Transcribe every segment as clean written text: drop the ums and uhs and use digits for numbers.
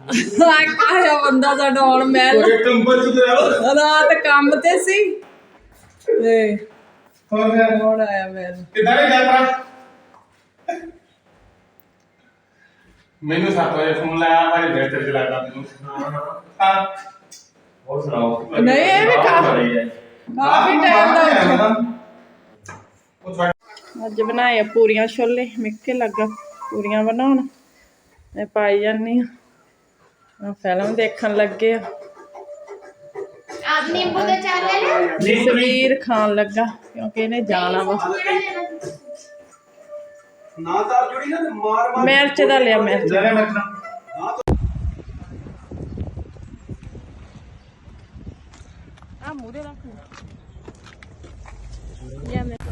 ਆਇਆ ਬੰਦਾ ਸਾਡਾ ਹੁਣ ਮੈਂ ਰਾਤ ਕੰਮ ਤੇ ਸੀ ਤੇ ਹੁਣ ਆਇਆ ਮੈਂ ਕਿੱਦਾਂ ਦੀ ਯਾਤਰਾ ਮੈਨੂੰ 7 ਵਜੇ ਫੋਨ ਲਾਇਆ ਭਾਈ ਬਿਹਤਰ ਚਲਾਦਾ ਮੈਨੂੰ ਹਾਂ ਹੋਰ ਸੁਣਾਓ ਨਹੀਂ ਇਹ ਵੀ ਕਾਫੀ ਟਾਈਮ ਦਾ ਅੱਜ ਬਣਾਏ ਪੂਰੀਆਂ ਛੋਲੇ ਮਿੱਕੇ ਲੱਗਾ ਪੂਰੀਆਂ ਬਣਾਉਣ ਮੈਂ ਪਾਈ ਜਾਂਦੀ ਆ ਫਿਲਮ ਦੇਖਣ ਲੱਗੇ ਆ ਆਪ ਨਿੰਬੂ ਦਾ ਚਾਰ ਲੈ ਲਿਆ ਜਸਵੀਰ ਖਾਣ ਲੱਗਾ ਕਿਉਂਕਿ ਇਹਨੇ ਜਾਣਾ ਵਾ ਨਾ ਤਾਂ ਜੁੜੀ ਨਾ ਮਾਰ ਮਿਰਚ ਦਾ ਲਿਆ ਮਿਰਚ ਆ ਮੂਰੇ ਰੱਖ ਯਾ ਮੈਂ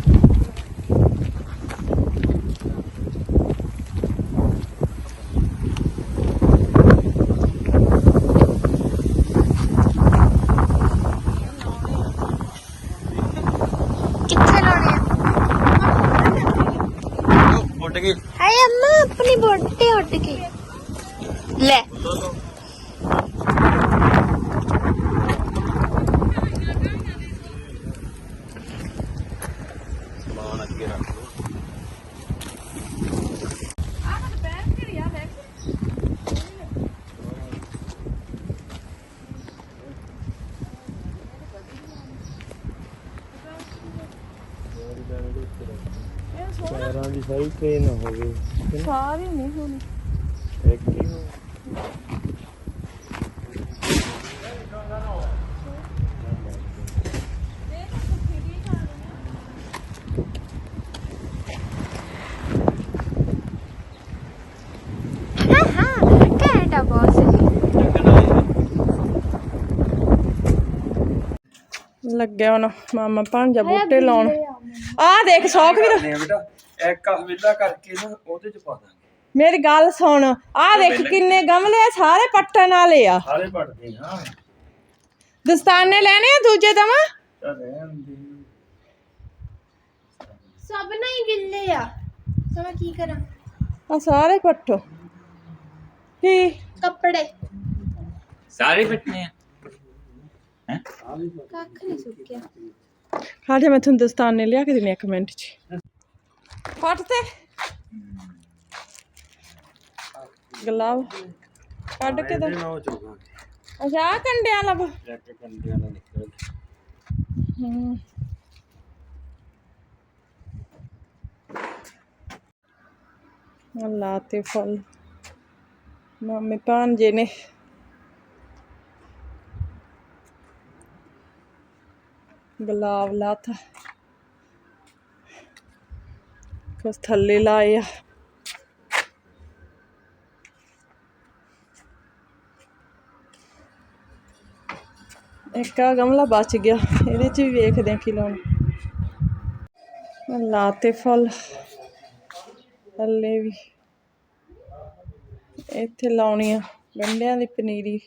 कितने लाने ਉੱਡ ਗਈ हाय अम्मा अपनी बोटे उठ गई ले ਸਮਾਨ ਅੱਗੇ ਰੱਖ ਲਓ ਪੈਰਾਂ ਦੀ ਸਾਰੀ ਟ੍ਰੇਨ ਹੋਵੇ ਸਾਰੀ ਨਹੀਂ ਹੋਣੀ ਇੱਕ ਹੀ ਹੋ हाँ हाँ कैटा बॉस ਲੱਗਿਆ ਹੁਣ ਮਾਮਾ ਭਾਂਜਾ ਬੂਟੇ ਲਾਉਣ ਆ ਦੇਖ ਸੌਖ ਵੀ ਬੇਟਾ ਇੱਕ ਹਵੇਲਾ ਕਰਕੇ ਨਾ ਉਹਦੇ ਚ ਪਾ ਦਾਂਗੇ ਮੇਰੀ ਗੱਲ ਸੁਣ ਆ ਦੇਖ ਕਿੰਨੇ ਗਮਲੇ ਆ ਸਾਰੇ ਪੱਟਣ ਵਾਲੇ ਆ ਸਾਰੇ ਪੜਦੇ ਹਾਂ ਦਸਤਾਨੇ ਲੈਣੇ ਆ ਦੂਜੇ ਦਵਾ ਚੱਲ ਰਹਿਣ ਦੇ सब नहीं गिल्ले या सब की करा ਆ ਸਾਰੇ ਪੱਟੋ ਕੀ कपड़े सारे फिटने हैं कख नहीं सूख गया ਖਾਜੇ ਮੈਂ ਤੁਹਾਨੂੰ ਦਸਤਾਨੇ ਲਿਆ ਕੇ ਦੇਣੇ ਇੱਕ ਮਿੰਟ ਚ ਫਟ ਤੇ ਗਲਾਵ ਕੱਢ ਕੇ ਤਾਂ ਨਾ ਚੋਗਾ ਅੱਛਾ ਆਹ ਕੰਡਿਆਂ ਲੱਭ ਇੱਕ ਕੰਡਿਆਂ ਦਾ ਨਿਕਲ ਅੱਲਾ ਤੇ ਫਲ ਮਾਮੇ ਭਾਂਜੇ ਨੇ ਗੁਲਾਬ ਲਾਤਾ ਕੁਛ ਥੱਲੇ ਲਾਏ ਆ ਇੱਕ ਆ ਗਮਲਾ ਬਚ ਗਿਆ ਇਹਦੇ ਚ ਵੀ ਵੇਖਦੇ ਆ ਕੀ ਲਾਉਣਾ ਲਾਤੇ ਫਲ ਥੱਲੇ ਵੀ ਇੱਥੇ ਲਾਉਣੀ ਆ ਗੰਢਿਆਂ ਦੀ ਪਨੀਰੀ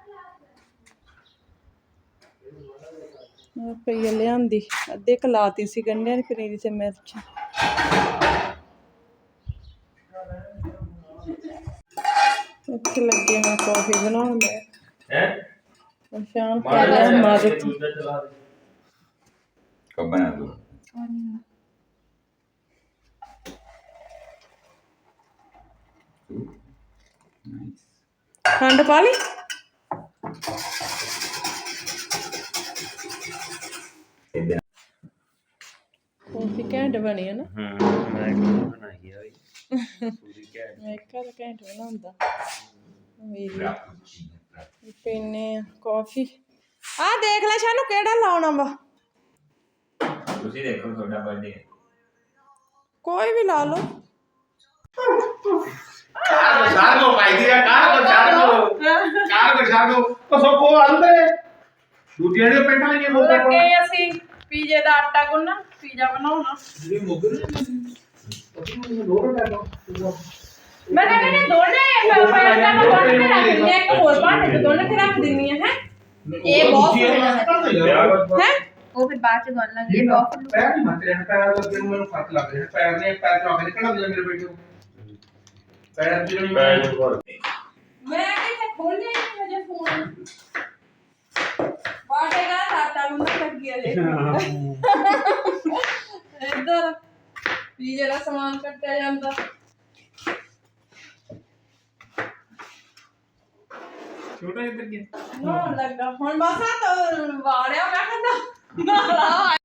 ਪਈ ਲਿਆਂਦੀ ਅੱਧੇ ਕਲਾਤੀ ਸੀ ਗੰਢਿਆਂ ਦੀ ਪਨੀਰੀ ਤੇ ਮਿਰਚ ਇੱਥੇ ਲੱਗੇ ਹਾਂ ਕੌਫੀ ਬਣਾਉਣ ਮੈਂ ਸ਼ਾਮ ਕਰ ਲਿਆ ਮਦਦ कब बना दो ਖੰਡ ਪਾ ਲਈ ਕੌਫੀ ਘੈਂਟ ਬਣੀ ਹੈ ਨਾ ਮੈਂ ਬਣਾਈ ਆ ਪੂਰੀ ਘੈਂਟ ਮੈਂ ਇੱਕ ਘੈਂਟ ਬਣਾਉਂਦਾ ਮੇਰੀ ਪੀਨੇ ਆ ਕੌਫੀ ਆ ਦੇਖ ਲੈ ਸਾਨੂੰ ਕਿਹੜਾ ਲਾਉਣਾ ਵਾ उसी देखो छोटा बर्थडे है ਕੋਈ ਵੀ ਲਾ ਲਓ कार को पाई दिया कार को तो सबको अंदर दूटियां ने पेटा लेके बोलता ਲੱਗੇ ਅਸੀਂ ਪੀਜ਼ੇ ਦਾ ਆਟਾ ਗੁੰਨਣ ਪੀਜ਼ਾ ਬਣਾਉਣਾ ये मोगर ਮੈਂ ਕਹਿੰਦੀ ਦੋਨੇ ਪੈਰਾਂ ਨੂੰ ਦੋਨੇ ਤੇ ਰੱਖ ਦਿੰਦੀ ਇੱਕ ਹੋਰ ਭਾਂਡੇ ਤੇ ਦੋਨੇ ਤੇ ਰੱਖ ਦਿੰਦੀ ਹੈ ਇਹ ਬਹੁਤ ਹੈ वो फिर बाद च गल लगी बहुत पैर नहीं मत रहना पैर लगे मेरे फट लग रहे पैर ने पैर तो आगे निकल दिया मेरे बेटे को पैर की नहीं ਪੈਰ ਨੂੰ ਭਰ ਮੈਂ ਖੋਲਿਆ ਨਹੀਂ ਹਜੇ ਫੋਨ ਬਾਟੇਗਾ ਸਾਟਾ ਨੂੰ ਲੱਗੀ ਹਲੇ ਇੱਧਰ ਵੀ ਜਿਹੜਾ ਸਮਾਨ ਕੱਟਿਆ ਜਾਂਦਾ ਛੋਟਾ ਇੱਧਰ ਗਿਆ ਨਾ ਲੱਗਾ ਹੁਣ ਬਸ ਆ ਤਾਂ ਵਾੜਿਆ ਮੈਂ ਕਹਿੰਦਾ